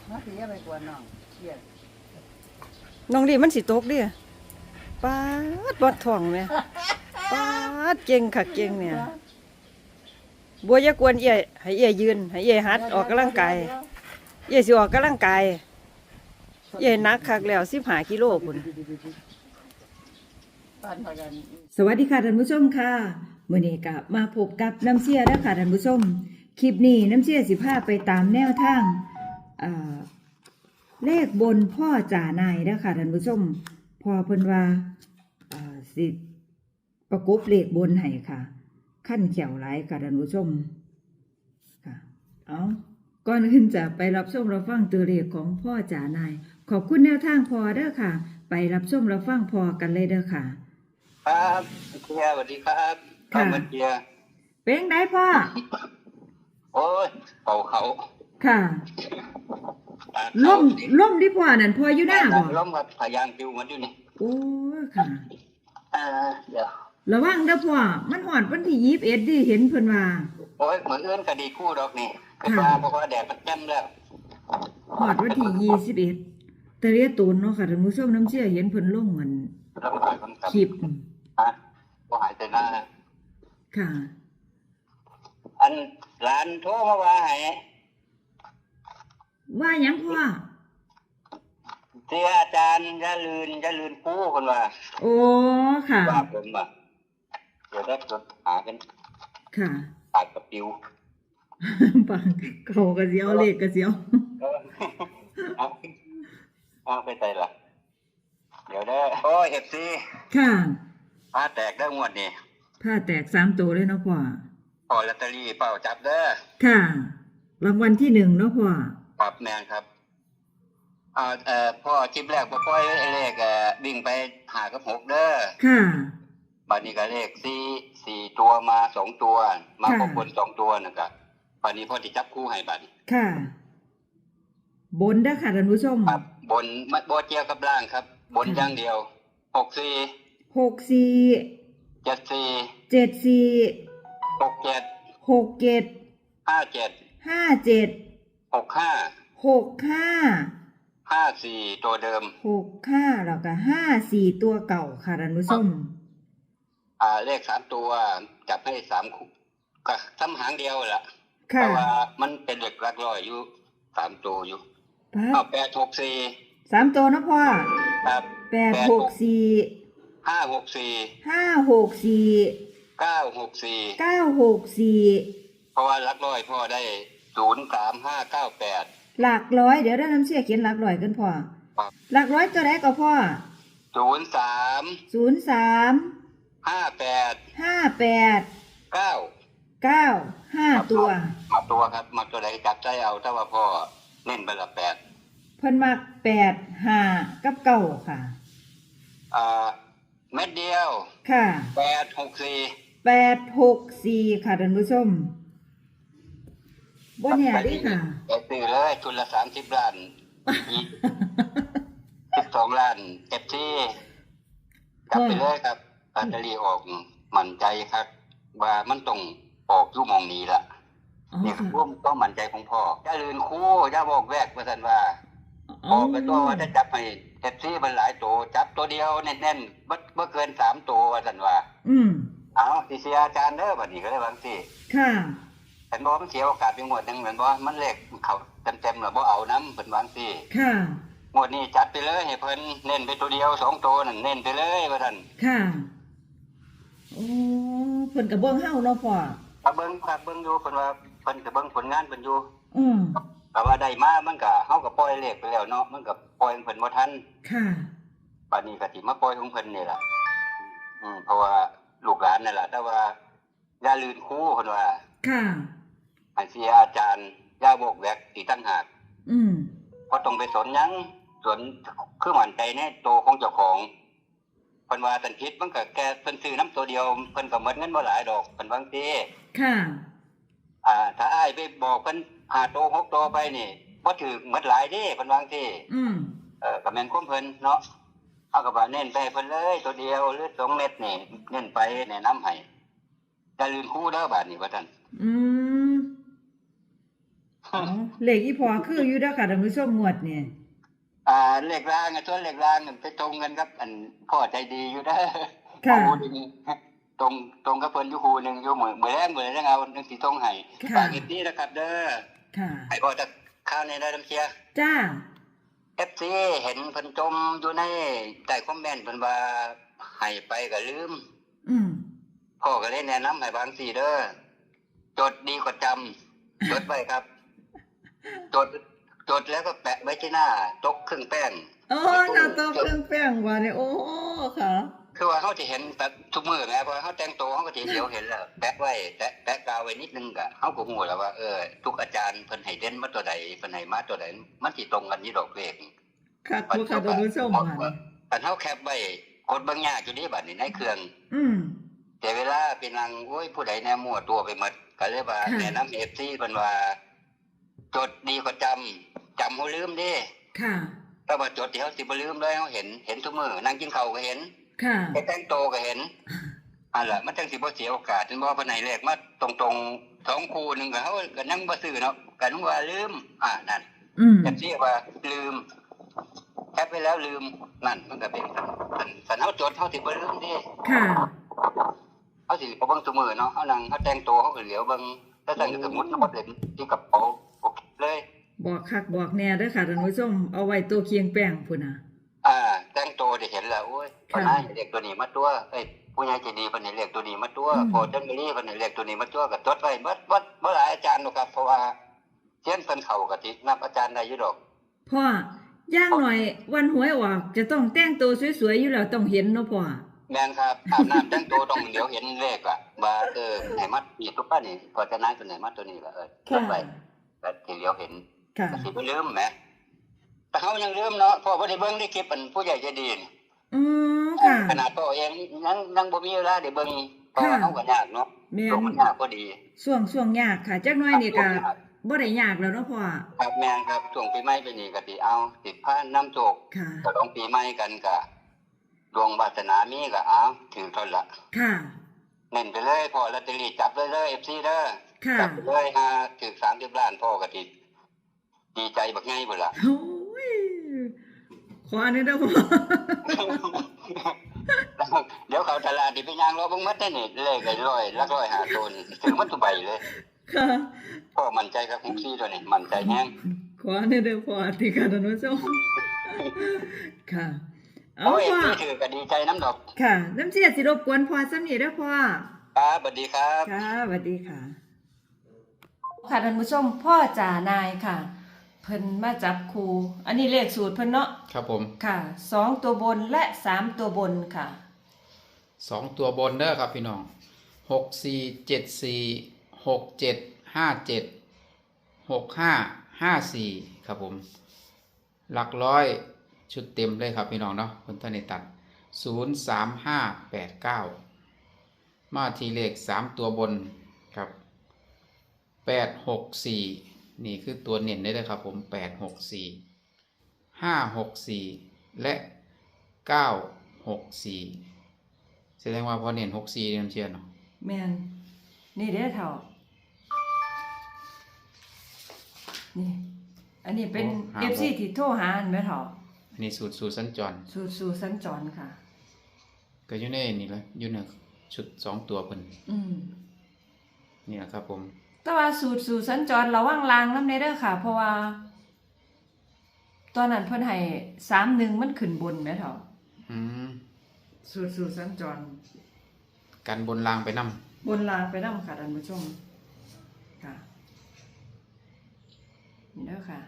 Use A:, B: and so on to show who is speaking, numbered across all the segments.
A: มาสิอย่าไปกวนน้องเครียด
B: น้องดีมันสิตกเดิป๊าดบอดท้องแม่ป๊าดเก่งค่ะเก่งเนี่ยบัวอย่ากวนเอี่ยให้เอี่ยยืนให้เอี่ยหัดออกกำลังกายเอี่ยสิออกกำลังกายเอี่ยหนักคักแล้ว15กิโลพุ่น
A: ปั่นพากัน
B: สวัสดีค่ะท่านผู้ชมค่ะมื้อนี้ก็มาพบกับน้ำเสียแล้วค่ะท่านผู้ชมคลิปนี้น้ำเสียสิพาไปตามแนวทางเลขบนพ่อจ่านายแล้วค่ะท่านผู้ชมพอเพิ่นว่าสิประกบเลขบนให้ค่ะขั้นเขียวหลายค่ะท่านผู้ชมค่ะเอาก่อนอื่นจะไปรับชมรับฟังตัวเลขของพ่อจ่านายขอบคุณแนวทางพอเด้อค่ะไปรับชมรับฟังพอกันเลยเด้อค่ะ
C: ครับเชียร์สวัสดีครับ
B: ค่ะ
C: มาเชียร์
B: เป็นไงพ่อ
C: โอ้ยเขา
B: ค่ะ
C: ตา
B: ล่
C: เขา
B: มล่มที่พ่อนั่นพ่ออยู่หน้าบ่
C: ล้มกับพยางปิวมันอยู่นี่
B: โอ้ค่ะ
C: เดี๋ยว
B: ระวังเด้อพ่อมันฮอดวันที่21ดิเห็นเพิ่นว่า
C: โอ้ยเหมือนเอื้อนคดีคู่ดอกนี่คือ
B: ค่ะ
C: ว่าเพราะว่าแดดมันแจ่มแล้ว
B: ฮอดวันที่21แต่เรียตูนเนาะค่ะท่านผู้ชมน้ำเชื่อเห็นเพิ่นลงเหมือน
C: แล้วก็คนกับ
B: คลิป
C: ฮะก็หายใจหน้า
B: ค่ะ
C: อันหลานโทรมาว่าให้
B: ว่าหยังพ่อ
C: เสียอาจารย์อย่าลืนคู่คนว่า
B: โอ้ค่ะ
C: ว่าผมว่าเดี๋ยวได้จดหากัน
B: ค่ะ
C: ปากกับปิว
B: ปังเขาก็สิเอาเลขก็สิเอา
C: เอาไปใจละเดี๋ยวได้โอ้ยFC
B: ค่ะ
C: ผ้าแตกได้งวดนี่
B: ผ้าแตก3ตัวเลยเนาะพ่อ
C: พอลอตเตอรี่เปล่าจับเด้อ
B: ค่ะรางวัลที่1เนาะพ่อ
C: ปรับแมนครับพ่อคลิปแรกพ่อปล่อยเลขวิ่งไปหากับ6เด้อ
B: ค่ะ
C: บัดนี้ก็เลขสี่ตัวมา2ตัวมาครบคน2ตัวนะครับบัดนี้พ่อที่จับคู่ให้บัดนี้
B: ค่ะ บนเด้อค่ะท่านผู้ชม
C: ครับบนมัดบ่เกี่ยวกับล่างครับ บนอย่างเดียว64
B: 64
C: 74
B: 74
C: 67
B: 67
C: 57
B: 57
C: 65
B: 65
C: 54ตัวเดิม
B: 65แล้วก็54ตัวเก่าค่ะท่านผู้ชม
C: เลข3ตัวจับให้3คู่ก็ซ้ำหางเดียวแหละ
B: ค่ะ
C: แต่ว่ามันเป็นเหล็กหลักร้อยอยู่3ตัวอยู่
B: ปั๊
C: เอา
B: บ
C: 864
B: 3ตัวเนาะพ่อ
C: ครับ
B: 864
C: 564
B: 564
C: 964
B: 964
C: เพราะว่าหลักร้อยพ่อได้03598
B: หลักร้อยเดี๋ยวได้น้ำเสียเขียนหลักร้อยกันพ่อ
C: ครับ
B: หลักร้อยตัวไหนก็พ่อ
C: 03
B: 03
C: 58
B: 58
C: 9
B: 9 5ตัว
C: มาตัวครับมาตัวใดจับใจเอาถ้าว่าพ่อเน้นไปละ8
B: เพิ่นมัก8 5กับ9ค่ะ
C: เม็ดเดียว
B: ค่ะ
C: 864
B: 864ค่ะท่านผู้ชมบ่แน่เดิค่ะ
C: ไปซื้อเลยทุนละ30 ล้าน12 ล้านเก็บที่กลับไปเลยครับลอตเตอรี่ออกมั่นใจครับว่ามันต้องออกอยู่หมองนี้ละ
B: อ๋อ
C: นี่คือ
B: ค่ะ
C: ความต้องมั่นใจของพ่ออย่าลืนคู่อย่าบอกแวกว่าซั่นว่า
B: อ๋
C: ออกไปตัวว่าจะจับให้เก็บที่มันหลายตัวจับตัวเดียวแน่นๆบ่เกิน3ตัวว่าซั่นว่า
B: อืม
C: เอาสิเสียอาจารย์เด้อบัดนี้ก็เลยว่าจังซี่
B: ค่ะ
C: เห็นบ่มันเสียโอกาสไปงวดหนึงเหมือนบ่มันเลขเขาเต็มๆแล้วบ่เอานำเพิ่นว่าจังซี่
B: ค่ะ
C: งวดนี้จัดไปเลยให้เพิ่นเน้นไปตัวเดียว2ตัวนั่นเน้นไปเลยว่าซั่น
B: ค่ะโอ้เพิ่นก็เบิ่งเฮาเนาะพ่อ
C: ถ้าเบิ่งอยู่เพิ่นว่าเพิ่นก็เบิ่งผลงานเพิ่นอยู่
B: อืม
C: แต่ว่าได้มามันก็เฮาก็ปล่อยเลขไปแล้วเนาะมันก็ปล่อยของเพิ่นบ่ทัน
B: ค่ะ
C: บัดนี้ก็สิมาปล่อยของเพิ่นนี่ล่ะเพราะว่าลูกหลานนั่นล่ะแต่ว่าอย่าลืนครูเพิ่นว่า
B: ค่ะ
C: ให้เสียอาจารย์อย่าบอกแวกอีกต่างหาก
B: อืม
C: บ่ต้องไปสนหยังสนคือมั่นใจในตัวของเจ้าของเพิ่นว่าตันผิดมันก็แค่เพิ่นซื้อน้ำตัวเดียวเพิ่นก็หมดเงินบ่หลายดอกเพิ่นว่าจังซี่
B: ค่ะ
C: ถ้าอ้ายไปบอกเพิ่น5ตัว6ตัวไปนี่บ่ถูกหมดหลายเด้เพิ่นว่าจังซี่
B: อืม
C: ก็แม่นของเพิ่นเนาะเอาก็ว่าเน้นไปให้เพิ่นเลยตัวเดียวหรือ2เม็ดนี่เน้นไปแนะนำให้อย่าลืมครูเด้อบาดนี้ว่าซั่น
B: อืมอ๋อเลขอีพอคืออยู่เด้อค่ะท่านผู้ชมงวดเนี่ย
C: เลขล่างส่วนเลขล่างไปตรงกันครับอันพ่อใจดีอยู่เด้อ
B: ค่ะ
C: หูหนึ่งตรงกับเพิ่นอยู่หูหนึ่งอยู่เหมือนแรงเอาหนึ่งสีตรงให้
B: ค่ะ
C: ฝากอีกนี้นะครับ เด้อ
B: ค่ะ
C: ให้พ่อจะข้าวในได้น้ำเชีย
B: จ้า
C: FC เห็นเพิ่นจมอยู่ในใต้คอมเมนต์เพิ่นว่าให้ไปก็ลืม
B: อืม
C: พ่อก็เลยแนะนำให้บางสี่เด้อจดดีกว่าจำจดไว้ครับ จดแล้วก็แปะไว้ที่หน้าตกเครื่องแป้ง
B: โอ้หน้าตาเครื่องแป้งว่าเนี่ยโอ้ค่ะ
C: คือว่าเขาจะเห็นแบบทุกมือไงพอเขาแต่งตัวเขาก็จะเดี๋ยวเห็นแล้วแปะไว้แปะกาวไว้นิดนึงก็เขาก็หูแล้วว่าทุกอาจารย์เพิ่นให้เด่นมาตัวใดเพิ่นให้มาตัวใดมันสิตรงกันนี่ดอกเลข
B: ค่ะครูค่ะท่านผู้ชมค่ะ
C: แต่เขาแคปไว้กดเบิ่งยากอยู่นี่บัดนี้ในเครื่อง
B: อืม
C: แต่เวลาเป็นนางโอ้ยผู้ใดแน่มั่วตัวไปหมดก็เลยว่า
B: ค่ะ
C: แนะนำ FC เพิ่นว่า จดดีกว่าจำเฮาลืมเด้
B: ค่ะ
C: ถ้าว่าจดที่เฮาสิบ่ลืมเลยเฮาเห็นทุกมื้อนั่งกินข้าวก็เห็น
B: ค่ะ
C: ไปแต่งโตวก็เห็นอันล่ะมันจังสิบ่เสียโอกาสถึงบ่ว่าไหนแรกมาตรงๆ2คู่นึงก็เฮาก็นั่งบ่ซื้อเนาะก็นึกว่าลืมนั่น
B: อืม
C: จังซี่ว่าลืมแคปไปแล้วลืมนั่นมันก็เป็นสันเฮาจดเฮาสิบ่ลืมเด้
B: ค่ะ
C: เฮาสิบ่เบิ่งซุมื้อเนาะเฮานั่งเฮาแต่งตัวเฮาก็เหลียวเบิ่งแล้วสั่นก็สมมุติเนาะเล่นที่กระเป๋าโอเคเลย
B: บอกคักบอกแน่เด้อค่ะท่านผู้ชมเอาไว้ตัวเคียงแป้งพุ่นน่ะ
C: แต่งตัวได้เห็นแล้วโอ้ยปนายเรียกตัวนี้มาตัวผู้ใหญ่ใจดีเพิ่นให้เรียกตัวนี้มาตัว
B: อืม
C: พอจังได๋เพิ่นให้เรียกตัวนี้มาตัวก็จดไว้บ่หลายอาจารย์หรอกครับเพราะว่าเซียนเพิ่นเข้าก็สินับอาจารย์ได้อยู่ดอก
B: พ่อย่างหน่อยวันหวยออกจะต้องแต่งตัวสวยๆอยู่แล้วต้องเห็นเนาะพ่อ
C: แม่นครับอาบน้ำแต่งตัวต้องเดี๋ยวเห็นเลขว่าให้มัดนี่ตุ๊กป้านี่พอจะนายตัวไหนมัดตัวนี้ก็จดไว้ก็สิเดี๋ยวเห็น
B: ค่ะ
C: ก็สิบ่ลืมแหมแต่เฮายังลืมเนาะเพราะบ่ได้เบิ่งได้คลิปอันผู้ใหญ่ใจดีนี่
B: อืมค่ะ
C: ขนาดพ่อเองยังบ่มีเวลาได้เบิ่งเพราะว่าเฮาก็ยากเนาะ
B: แม่
C: โลกมันยากพอดี
B: ช่วงยากค่ะจักหน่อยนี่ก็บ่ได้ยากแล้วเนาะพ่อ
C: ครับแม่นครับช่วงปีใหม่ไปนี่ก็สิเอาสิพาน้ำโชค
B: ค่ะ
C: ฉลองปีใหม่กันก็ดวงวาสนามีก็เอาถือเท่าละ
B: ค่ะ
C: เน้นไปเลยพ่อลอตเตอรี่จับเลย FC เด้อ
B: ค่ะ
C: จับไปเลยถึง30ล้านพ่อก็สิดีใจบักไงพุ่นล่ะ
B: โอ้ยขออันนี้เด้อพ่อ
C: เดี๋ยวเขาตลาดนี่ไปย่างรอเบิ่งหมดได้นี่เลขไอ้100 150ตัวนี่ถือมันทุกใบเลย
B: ค่ะ
C: พ่อมั่นใจครับ64ตัวนี้มั่นใจแฮง
B: ขออันนี้เด้อพ่อที่ค่ะท่านผู้ชมค่ะ เอา
C: โอ้ย
B: พ่อ
C: ที่ถือก็ดีใจน้ำดอก
B: ค่ะน้ำเสียสิรบกวนพ่อซ้ำนี่เด้อพ่อ
C: ครับสวัสดีครับ
B: ค่ะสวัสดีค่ะ ค่ะท่านผู้ชมพ่อจ่านายค่ะ เพิ่นมาจับครูอันนี้เลขสูตรเพิ่นเนาะ
D: ครับผม
B: ค่ะ2ตัวบนและ3ตัวบนค่ะ
D: 2 ตัวบนเด้อครับพี่น้อง6474676554ครับผมหลักร้อยชุดเต็มเลยครับพี่น้องเนาะคนท่านในตัด03589มาทีเลข3ตัวบนครับ864นี่คือตัวเน้นได้เลยครับผม864 564และ964แสดงว่าพอเน้น64นี่มันเชียร์เนาะ
B: แม่นนี่เด้อเฒ่านี่ อันนี้เป็น FC ที่โทรหาอันแม่เฒ่า
D: อันนี้สูตรสัญจร
B: สู่สัญจรค่ะ
D: ก็อยู่ในนี่แหละอยู่ในชุด2ตัวเพิ่น
B: อืม
D: นี่แหละครับผม
B: แต่ว่าสู่สัญจรระวังรางนำเด้อค่ะ เพราะว่า ตอนนั้นเพิ่นให้31มันขึ้นบนแม่เฒ่า
D: อืม
B: สู่สัญจร
D: กันบนรางไปนำ
B: บนรางไปนำค่ะท่านผู้ชมค่ะนี่เด้อค่ะ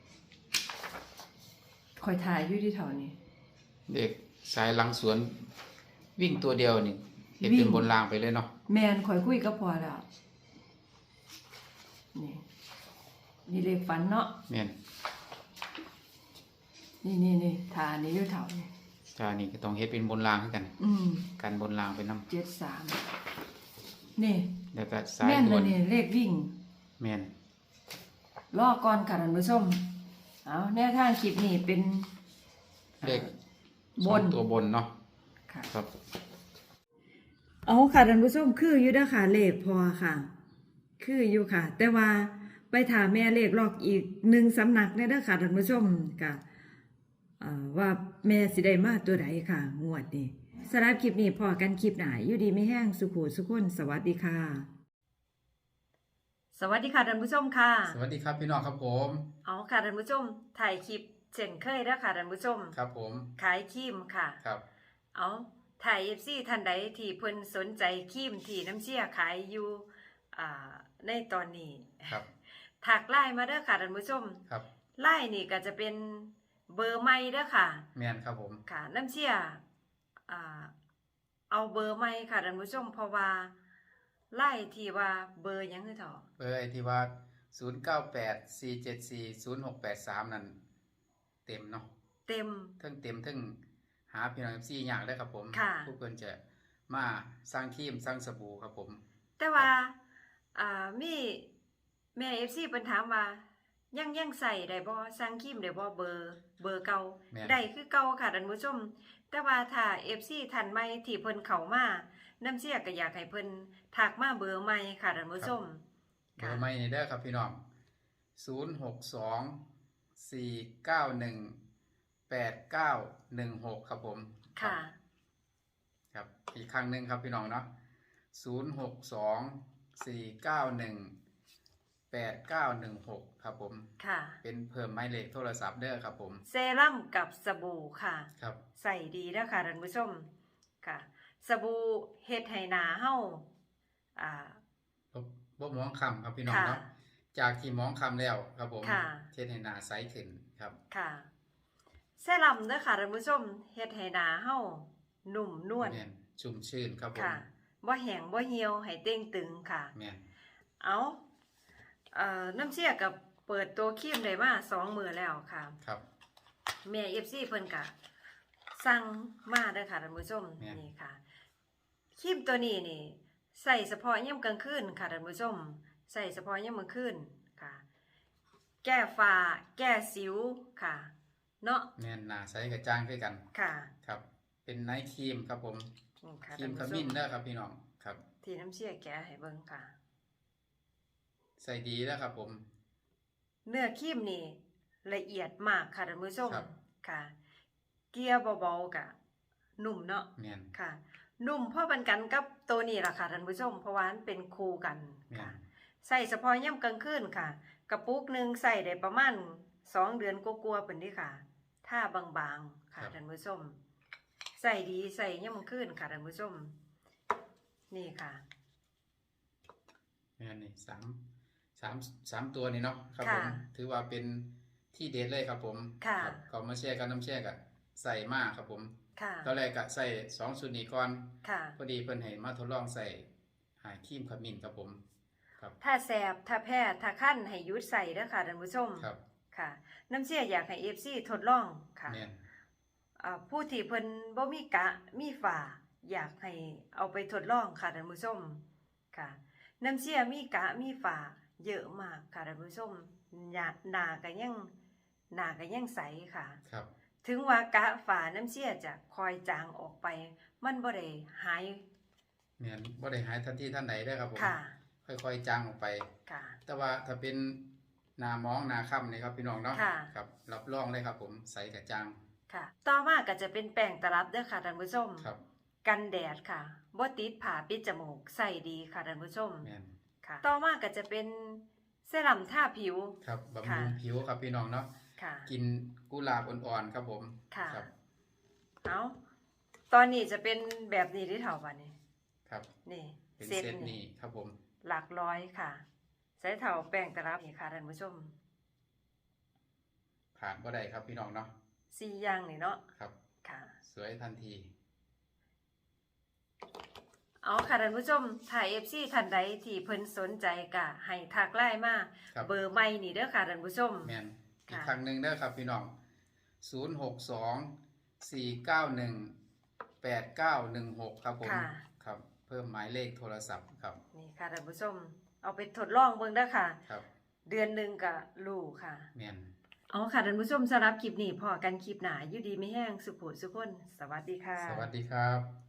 B: คอยถ่ายอยู่ที่แถวนี้
D: เด็กสายหลังสวนวิ่งตัวเดียวนี่เฮ็ด
B: วิ่
D: เป็น
B: ง
D: บนรางไปเลยเนาะ
B: แมนคอยคุยกับพ่อแล้วนี่นี่เลขฝันเนาะ
D: แม่น
B: นี่ทานี่อยู่แถวนี้
D: ถ้านี่ก็ต้องเฮ็ดเป็นบนรางคือกัน กันบนรางไปนำ
B: 73นี่
D: แล้วก็สาย
B: แม่น
D: ด่
B: เล
D: วย น
B: นี่เลขวิ่ง
D: แม่น
B: รอก่อนค่ะท่านผู้ชมเอาแนวทางคลิปนี้เป็น
D: เลข
B: บน
D: 2ตัวบนเนาะ
B: ค่ะ
D: ครับ
B: เอาค่ะท่านผู้ชมคืออยู่เด้อค่ะเลขพอค่ะ คืออยู่ค่ะ แต่ว่าไปถามแม่เลขลอกอีกหนึ่งสำนักเนี่ยเด้อค่ะท่านผู้ชมก็ว่าแม่สิได้มาตัวใดค่ะงวดนี้สำหรับคลิปนี้พอกันคลิปหน้าอยู่ดีไม่แห้งสุขุสุขคนสวัสดีค่ะ สวัสดีค่ะท่านผู้ชมค่ะ
D: สวัสดีครับพี่น้องครับผม
B: เอาค่ะท่านผู้ชมถ่ายคลิปเช่นเคยแล้วค่ะท่านผู้ชม
D: ครับผม
B: ขายครีมค่ะ
D: ครับ
B: เอาถ่าย FC ท่านใดที่เพิ่นสนใจครีมที่น้ำเชี่ยขายอยู่ในตอนนี้
D: ครับ
B: ถักไลน์มาเด้อค่ะท่านผู้ชม
D: ครับ
B: ไลน์นี่ก็จะเป็นเบอร์ใหม่เด้อค่ะ
D: แมนครับผม
B: ค่ะน้ำเชี่ยเอาเบอร์ใหม่ค่ะท่านผู้ชมเพราะว่าไลน์ที่ว่าเบอร์หยังคือเถาะ
D: เบอร์ไอที่ว่า0984740683นั่นเต็มเนาะ
B: เต็ม
D: เทิงหาพี่น้อง FC ยากได้ครับผม
B: ค่ะ
D: ผู้เพิ่นจะมาสร้างครีมสร้างสบู่ครับผม
B: แต่ว่ามีแม่ FC เพิ่นถามว่ายังใส่ได้บ่สั่งครีมได้บ่เบอร์เก่า
D: แม่น
B: ได้คือเก่าค่ะท่านผู้ชม แต่ว่าถ้า FC ท่านใหม่ที่เพิ่นเข้ามาน้ำเสียก็อยากให้เพิ่นทักมาเบอร์ใหม่ค่ะท่านผู้ชม
D: เบอร์ใหม่นี่เด้อครับพี่น้อง062-491-8916ครับผม
B: ค่ะ
D: ครับอีกครั้งหนึ่งครับพี่น้องเนาะ062-491-8916ครับผม
B: ค่ะ
D: เป็นเพิ่มหมายเลขโทรศัพท์เด้อครับผม
B: เซรั่มกับสบู่ค่ะ
D: ครับ
B: ใส่ดีเด้อค่ะท่านผู้ชมค่ะ สบู่เฮ็ดให้หน้าเฮา
D: บ่มองคำครับพี่น้อง
B: ค่ะ
D: เนาะจากที่มองคำแล้วครับผม
B: ค่ะ
D: เทศให้หน้าใสขึ้นครับ
B: ค่ะเซรั่มเด้อค่ะท่านผู้ชมเฮ็ดให้หน้าเฮานุ่มนวล
D: แม่นชุ่มชื่นครับผม
B: ค่ะบ่แห้งบ่เหี่ยวให้เต่งตึงค่ะ
D: แม่น
B: เอาน้ำเชี่ยกับเปิดตัวครีมได้มา2 มื้อแล้วค่ะ
D: ครับ
B: แม่ FC เพิ่นก็สั่งมาเด้อค่ะท่านผู้ชม
D: แม่น
B: นี่ค่ะครีมตัวนี้นี่ใส่เฉพาะยามกลางคืนค่ะท่านผู้ชมใส่เฉพาะยามกลางคืนค่ะ แก้ฝ้าแก้สิวค่ะเนาะ
D: แม่นหน้าใสกระจ่างคือกัน
B: ค่ะ
D: ครับ เป็นไนท์ครีมครับผม
B: นี่ค่ะ
D: ครี
B: ท่าม น
D: ข
B: ผู้ช
D: มิ้น
B: ม
D: เด้อครับพี่น้องครับ
B: ที่น้ำเชี่ยแกะให้เบิ่งค่ะ
D: ใส่ดีแล้วครับผม
B: เนื้อครีมนี่ละเอียดมากค่ะท่านผู้ชม
D: ครับ
B: ค่ะ เกลี่ยเบาๆกะนุ่มเนาะ
D: แม่น
B: ค่ะ นุ่มพอปันกันกับตัวนี้ล่ะค่ะท่านผู้ชมเพราะว่ามันเป็นคู่กัน
D: แม่น
B: ค่ะ ใส่เฉพาะย่ำกลางคืนค่ะ กระปุกหนึ่งใส่ได้ประมาณ2 เดือนกลัวาๆเป็นที่ค่ะถ้าบางๆค่ะท่านผู้ชม ใส่ดีใส่ย่ำกลางคืนค่ะท่านผู้ชม นี่ค่ะ
D: แม่นนี่สามตัวนี่เนาะครับผ
B: ค่ะ
D: มถือว่าเป็นที่เด็ดเลยครับผม
B: ค่ะ
D: ครับเขามาแชร์กันน้ำแชร์กันใส่มากครับผม
B: ค่ะ
D: ตอนแรกก็ใส่2 สูตรนี้ก่อน
B: ค่ะ
D: พอดีเพิ่นให้มาทดลองใส่หาครีมขมิ้นครับผมครับ
B: ถ้าแสบถ้าแพ้ถ้าคั้นให้หยุดใส่เด้อค่ะท่านผู้ชม
D: ครับ
B: ค่ะ น้ำเชี่ยอยากให้ FC ทดลองค่ะ
D: แม่น
B: ผู้ที่เพิ่นบ่มีกะมีฝาอยากให้เอาไปทดลองค่ะท่านผู้ชมค่ะ น้ำเชี่ยมีกะมีฝาเยอะมากค่ะท่านผู้ชมหน้าก็ยังใสค่ะ
D: ครับ
B: ถึงว่ากะฝาน้ำเชี่ยจะคอยจางออกไป มันบ่ได้หาย
D: แม่นบ่ได้หายทันทีทันใดเด้อครับผม
B: ค่ะ
D: ค่อยๆจางออกไป
B: ค่ะ
D: แต่ว่าถ้าเป็นหน้ามองหน้าค่ำนี่ครับพี่น้องเนาะ
B: ค่ะ
D: ครับรับรองเลยครับผมใสกระจ่าง
B: ค่ะ ต่อมาก็จะเป็นแป้งตลับเด้อค่ะท่านผู้ชม
D: ครับ
B: กันแดดค่ะบ่ติดผ้าปิดจมูกใส่ดีค่ะท่านผู้ชม
D: แม่น
B: ค่ะ ต่อมาก็จะเป็นเซรั่มทาผิว
D: ครับบำ
B: ค่ะ
D: รุงผิวครับพี่น้องเนาะ
B: ค่ะ
D: กินกุหลาบอ่อนๆครับผม
B: ค่ะ
D: ครับ
B: เอาตอนนี้จะเป็นแบบนี้ที่เท่าวันนี้
D: ครับ
B: นี่
D: เป็น
B: เซต
D: เซต
B: นี่
D: นี้ครับผม
B: หลักร้อยค่ะ ใส่เท่าแป้งตลับนี่ค่ะท่านผู้ชม
D: ผ่านบ่ได้ครับพี่น้องเนาะ
B: 4 อย่างนี่เนาะ
D: ครับ
B: ค่ะ
D: สวยทันที
B: เอาค่ะท่านผู้ชมถ้า FC ท่านใดที่เพิ่นสนใจก็ให้ทักไลน์มา
D: ครับ
B: เบอร์ใหม่นี่เด้อค่ะท่านผู้ชม
D: แม่นอีก
B: ค่ะ
D: ครั้งหนึ่งเด้อครับพี่น้อง062-491-8916ครับผม
B: ค่ะ
D: ครับ เพิ่มหมายเลขโทรศัพท์ครับ
B: นี่ค่ะท่านผู้ชม เอาไปทดลองเบิ่งเด้อค่ะ
D: ครับ
B: เดือนหนึงก็รู้ค่ะ
D: แม่น
B: เอาค่ะท่านผู้ชมสำหรับคลิปนี้พอกันคลิปหน้าอยู่ดีไม่แห้งสุขสุขคนสวัสดีค่ะ
D: สวัสดีครับ